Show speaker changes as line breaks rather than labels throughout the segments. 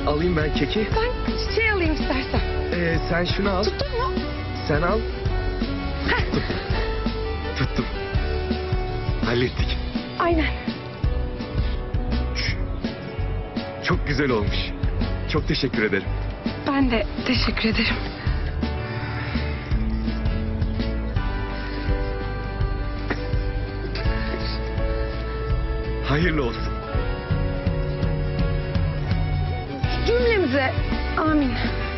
Alayım ben keki.
Ben çiçeği alayım istersen.
Sen şunu al.
Tuttun mu?
Sen al. Tuttum. Tuttum. Hallettik.
Aynen.
Çok güzel olmuş. Çok teşekkür ederim.
Ben de teşekkür ederim.
Hayırlı olsun.
Cümlemize amin.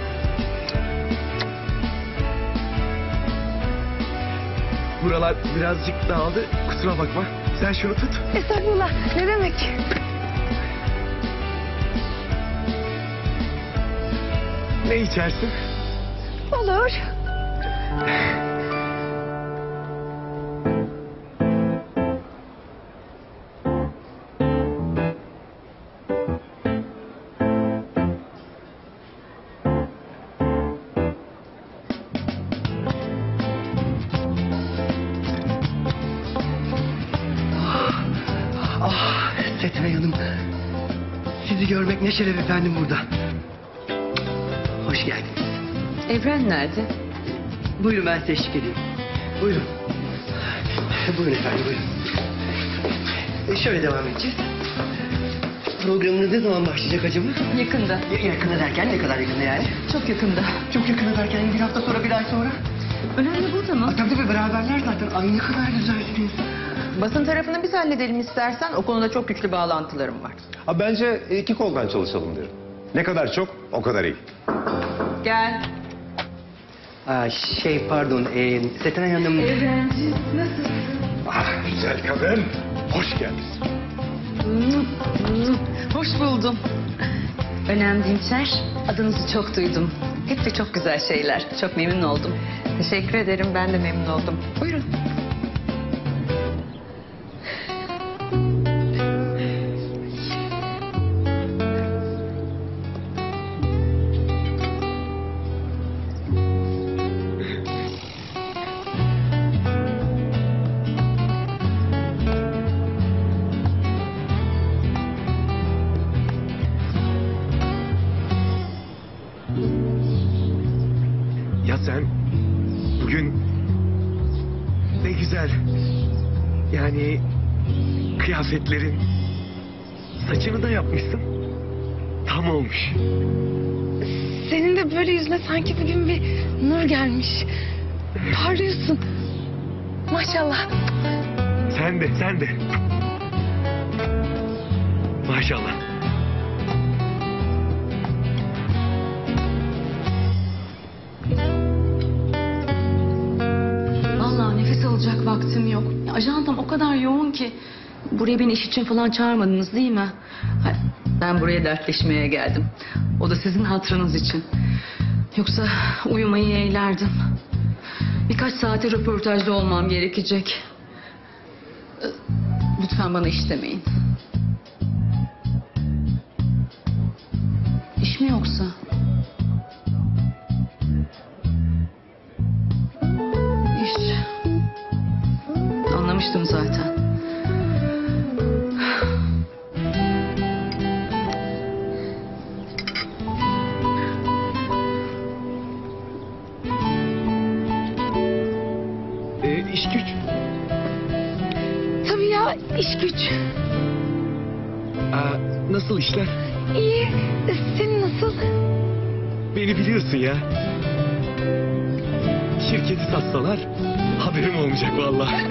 Buralar birazcık dağıldı. Kusura bakma. Sen şunu tut.
Estağfurullah. Ne demek?
Ne içersin?
Olur.
Setenay Hanım, sizi görmek ne şeref efendim burada. Hoş geldiniz.
Evren nerede?
Buyurun ben size eşlik edeyim. Buyurun. Buyurun efendim, buyurun. Şöyle devam edeceğiz. Programınız ne zaman başlayacak acaba?
Yakında.
Yakında derken ne kadar yakında yani?
Çok yakında.
Çok yakında derken bir hafta sonra, bir ay sonra.
Önemli burada mı?
Tabii beraberler zaten. Ay ne kadar güzelsiniz.
Basın tarafını biz halledelim istersen. O konuda çok güçlü bağlantılarım var.
Bence iki koldan çalışalım derim. Ne kadar çok, o kadar iyi.
Gel.
Pardon, Setenay Hanım...
Evrenciğim nasılsın?
Güzel kadın, hoş geldin.
Hoş buldum. Önem Dinçer. Adınızı çok duydum. Hep de çok güzel şeyler. Çok memnun oldum. Teşekkür ederim. Ben de memnun oldum. Buyurun.
Ya sen bugün ne güzel. Yani kıyafetlerin, saçını da yapmışsın. Tam olmuş.
Senin de böyle yüzüne sanki bugün bir nur gelmiş. Parlıyorsun. Maşallah.
Sen de. Maşallah.
Vallahi nefes alacak vaktim yok. Ajantam o kadar yoğun ki. Buraya beni iş için falan çağırmadınız değil mi? Ben buraya dertleşmeye geldim. O da sizin hatırınız için. Yoksa uyumayı yeğlerdim. Birkaç saate röportajda olmam gerekecek. Lütfen bana iş demeyin. İş mi yoksa? İş. Anlamıştım zaten.
İş güç.
Tabii ya, iş güç.
Nasıl işler?
İyi. Senin nasıl?
Beni biliyorsun ya. Şirketi satsalar haberim olmayacak vallahi.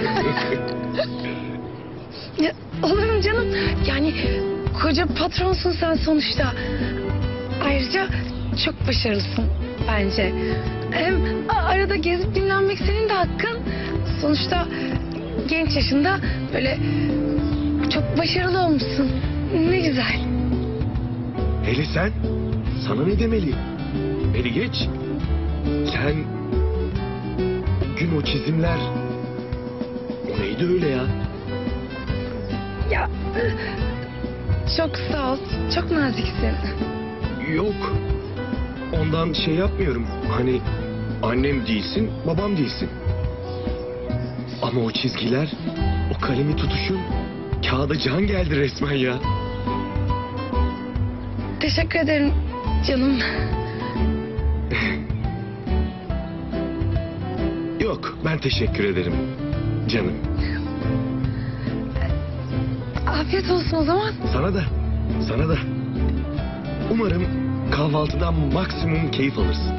Ya, olur mu canım? Yani koca patronsun sen sonuçta. Ayrıca çok başarılısın bence. Hem arada gezip dinlenmek senin de hakkın. Sonuçta genç yaşında böyle çok başarılı olmuşsun. Ne güzel.
Hele sen, sana ne demeli? Beni geç. Sen, gün o çizimler, o neydi öyle ya?
Ya çok sağ ol. Çok naziksin.
Yok, ondan şey yapmıyorum. Hani annem değilsin, babam değilsin. Ama o çizgiler, o kalemi tutuşun, kağıda can geldi resmen ya.
Teşekkür ederim. Canım.
Yok, ben teşekkür ederim. Canım.
Afiyet olsun o zaman.
Sana da. Sana da. Umarım kahvaltıdan maksimum keyif alırsın.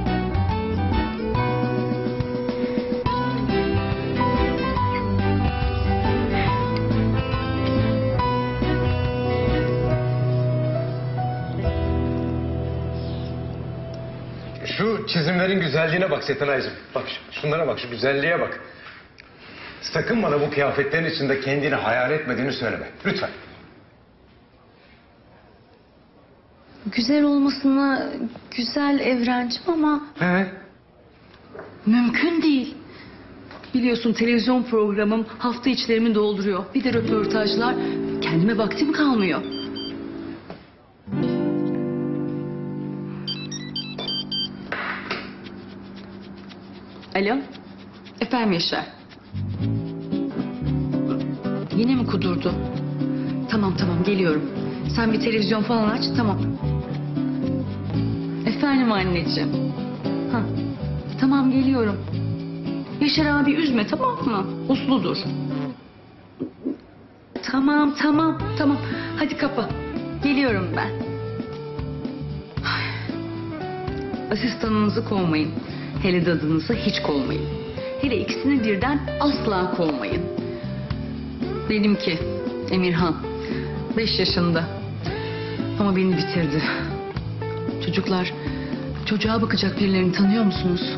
Şu çizimlerin güzelliğine bak Setenay'cığım. Bak şunlara bak, şu güzelliğe bak. Sakın bana bu kıyafetlerin içinde kendini hayal etmediğini söyleme. Lütfen.
Güzel olmasına güzel Evrencim ama
He?
mümkün değil. Biliyorsun televizyon programım hafta içlerimi dolduruyor. Bir de röportajlar. Kendime vaktim kalmıyor. Alo. Efendim Yaşar. Yine mi kudurdu? Tamam geliyorum. Sen bir televizyon falan aç, tamam. Efendim anneciğim. Ha, tamam geliyorum. Yaşar abi üzme, tamam mı? Usludur. Tamam. Hadi kapa. Geliyorum ben. Ay. Asistanınızı kovmayın. Hele dadınızı hiç kovmayın. Hele ikisini birden asla kovmayın. Benimki Emirhan 5 yaşında ama beni bitirdi. Çocuklar, çocuğa bakacak birilerini tanıyor musunuz?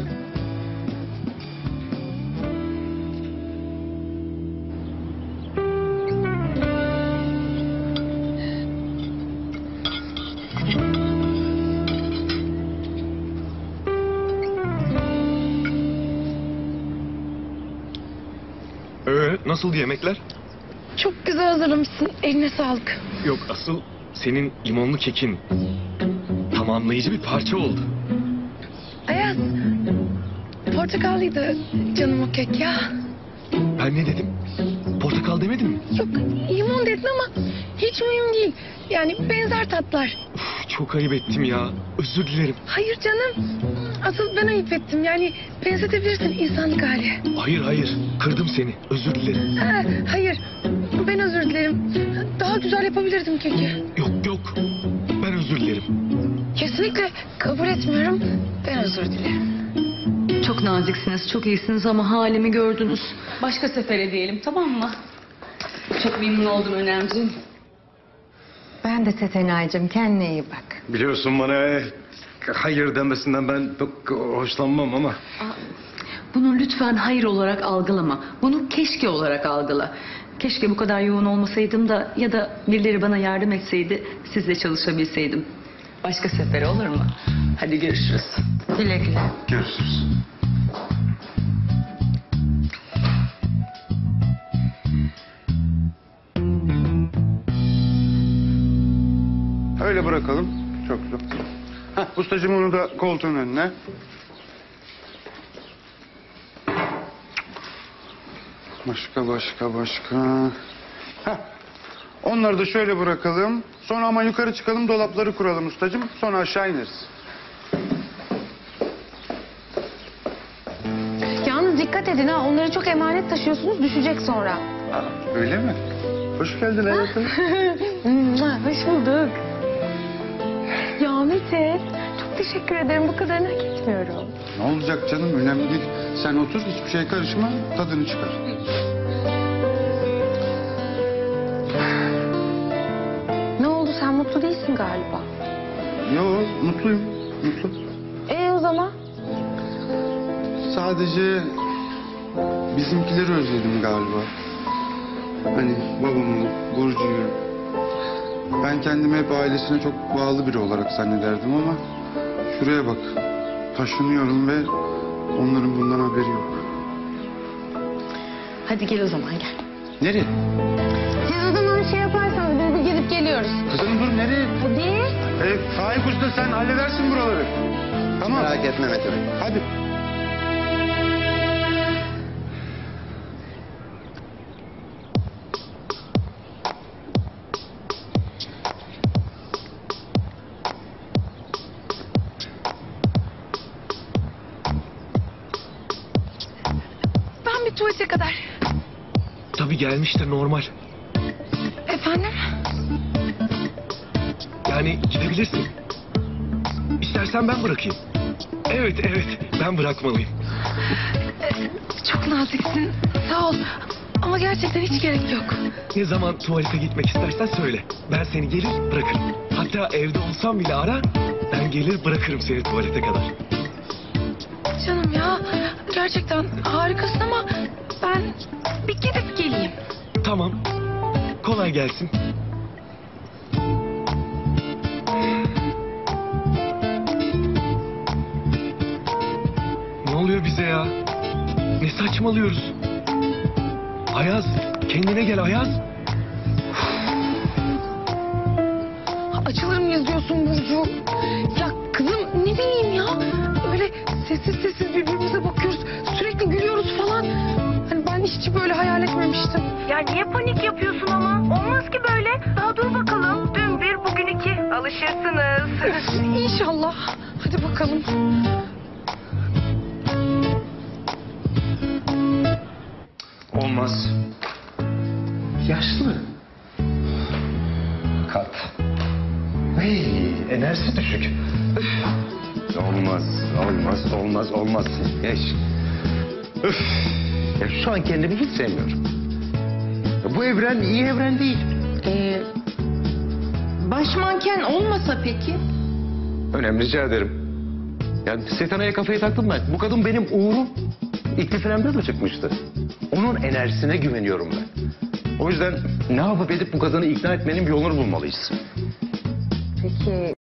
Nasıl yemekler?
Çok güzel hazırlamışsın. Eline sağlık.
Yok, asıl senin limonlu kekin tamamlayıcı bir parça oldu.
Ayaz. Portakallıydı canım o kek ya.
Ben ne dedim? Portakal demedim mi?
Yok limon dedin ama hiç mühim değil. Yani benzer tatlar.
Uf, çok ayıp ettim ya. Özür dilerim.
Hayır canım. Asıl ben ayıp ettim. Yani benzetebilirsin insanlık hali.
Hayır. Kırdım seni. Özür dilerim.
Ha, hayır. Ben özür dilerim. Daha güzel yapabilirdim keki.
Yok. Ben özür dilerim.
Kesinlikle kabul etmiyorum. Ben özür dilerim.
Çok naziksiniz, çok iyisiniz ama halimi gördünüz. Başka sefere diyelim, tamam mı? Çok memnun oldum Önemciğim.
Ben de Setenay'cığım, kendine iyi bak.
Biliyorsun bana hayır demesinden ben çok hoşlanmam ama.
Bunu lütfen hayır olarak algılama. Bunu keşke olarak algıla. Keşke bu kadar yoğun olmasaydım da ya da birileri bana yardım etseydi sizle çalışabilseydim. Başka sefere olur mu? Hadi görüşürüz.
Güle güle.
Görüşürüz.
Öyle bırakalım. Çok güzel. Heh, ustacığım onu da koltuğun önüne. Başka. Heh. Onları da şöyle bırakalım. Sonra ama yukarı çıkalım, dolapları kuralım ustacığım. Sonra aşağı ineriz.
Yalnız dikkat edin ha. Onları çok emanet taşıyorsunuz. Düşecek sonra.
Öyle mi? Hoş geldin hayatım.
Hoş bulduk. Ya Mete, çok teşekkür ederim. Bu kadarını hak etmiyorum.
Ne olacak canım? Önemli değil. Sen otur, hiçbir şeye karışma. Tadını çıkar.
Ne oldu? Sen mutlu değilsin galiba.
Yo, mutluyum. Mutlu.
O zaman?
Sadece bizimkileri özledim galiba. Hani babamı, Burcu'yu. Ben kendimi hep ailesine çok bağlı biri olarak zannederdim ama şuraya bak. Taşınıyorum ve onların bundan haberi yok.
Hadi gel o zaman gel.
Nereye?
Siz o zaman şey yaparsanız biz bir gidip geliyoruz.
Kızım dur nereye?
Hadi.
Faik Usta sen halledersin buraları. Tamam. Merak etme Mete. Hadi.
tuvalete kadar.
Tabii gelmiştir, normal.
Efendim?
Yani gidebilirsin. İstersen ben bırakayım. Evet, ben bırakmalıyım.
Çok naziksin. Sağ ol. Ama gerçekten hiç gerek yok.
Ne zaman tuvalete gitmek istersen söyle. Ben seni gelir bırakırım. Hatta evde olsam bile ara, ben gelir bırakırım seni tuvalete kadar.
Canım ya, gerçekten harikasın ama ben bir gidip geleyim.
Tamam. Kolay gelsin. Ne oluyor bize ya? Ne saçmalıyoruz? Ayaz, kendine gel Ayaz.
Açılır mıyız diyorsun Burcu? Ya kızım ne bileyim ya. Böyle sessiz sessiz birbirimize bakıyoruz. Sürekli gülüyoruz falan. Hani ben hiç böyle hayal etmemiştim.
Ya niye panik yapıyorsun ama? Olmaz ki böyle. Daha dur bakalım. Dün bir, bugün iki. Alışırsınız.
İnşallah. Hadi bakalım.
Olmaz. Yaşlı. Kalp. Hey, enerjisi düşük. Olmaz. Geç. Üf. Ya şu an kendimi hiç sevmiyorum. Ya bu evren iyi evren değil.
Baş manken olmasa peki?
Önemli, rica ederim. Yani Setena'ya kafayı taktım ben. Bu kadın benim uğurum. İlk filmde de çıkmıştı. Onun enerjisine güveniyorum ben. O yüzden ne yapıp edip bu kadını ikna etmenin bir yolunu bulmalıyız.
Peki